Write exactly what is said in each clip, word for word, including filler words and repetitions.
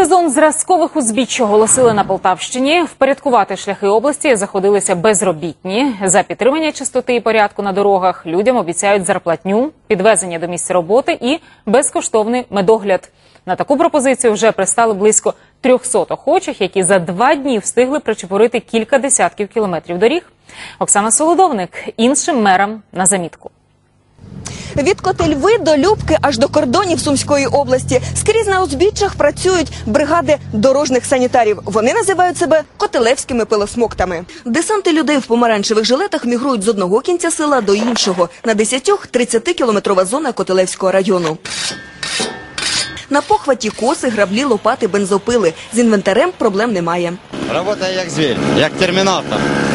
Сезон зразкових узбіч оголосили на Полтавщині. Впорядкувати шляхи області заходилися безробітні. За підтримання чистоти і порядку на дорогах людям обіцяють зарплатню, підвезення до місця роботи і безкоштовний медогляд. На таку пропозицію вже пристали близько трьохсот охочих, які за два дні встигли причепурити кілька десятків кілометрів доріг. Оксана Солодовник іншим мерам на замітку. Від Котельви до Любки аж до кордонів Сумської області. Скрізь на узбіччях працюють бригади дорожніх санітарів. Вони називають себе котелевськими пилосмоктами. Десанти людей в помаранчевих жилетах мігрують з одного кінця села до іншого. На десять-тридцятикілометрова зона Котелевського району. На похваті коси, граблі, лопати, бензопили. З інвентарем проблем немає. Робота як звір, як термінатор.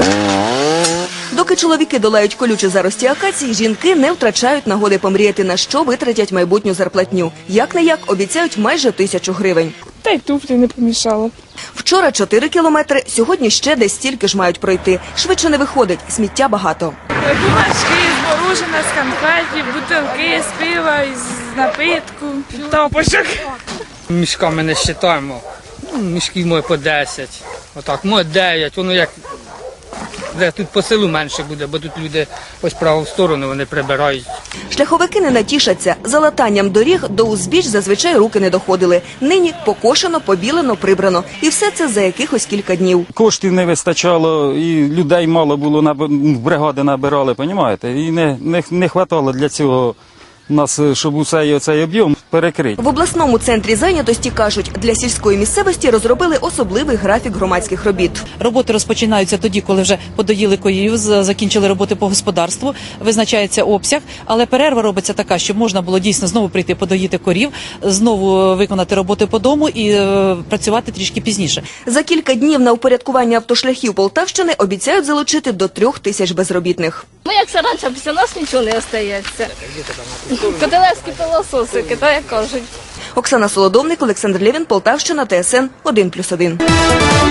Доки чоловіки долають колючі зарості акації, жінки не втрачають нагоди помріяти, на що витратять майбутню зарплатню. Як-не-як обіцяють майже тисячу гривень. Та й туфлі не помішало. Вчора чотири кілометри, сьогодні ще десь стільки ж мають пройти. Швидше не виходить, сміття багато. Бумажки, з морожена, з конфетів, бутилки, з пива, з напитку, тапочок. Мішками не вважаємо. Мішків може по десять, отак, може дев'ять, воно як... Де тут по селу менше буде, бо тут люди ось праву сторону вони прибирають. Шляховики не натішаться. За латанням доріг до узбіч зазвичай руки не доходили. Нині покошено, побілено, прибрано. І все це за якихось кілька днів. Коштів не вистачало, і людей мало було, бригади набирали, розумієте? І не, не, не хватало для цього нас, щоб усе цей об'єм перекрити. В обласному центрі зайнятості, кажуть, для сільської місцевості розробили особливий графік громадських робіт. Роботи розпочинаються тоді, коли вже подоїли коїв, закінчили роботи по господарству, визначається обсяг, але перерва робиться така, щоб можна було дійсно знову прийти подоїти корів, знову виконати роботи по дому і е, працювати трішки пізніше. За кілька днів на упорядкування автошляхів Полтавщини обіцяють залучити до трьох тисяч безробітних. Ну, як це раніше, після нас нічого не остається. Котелевські пилососики, то як кажуть. Оксана Солодовник, Олександр Лєвін, Полтавщина, Т С Н один плюс один.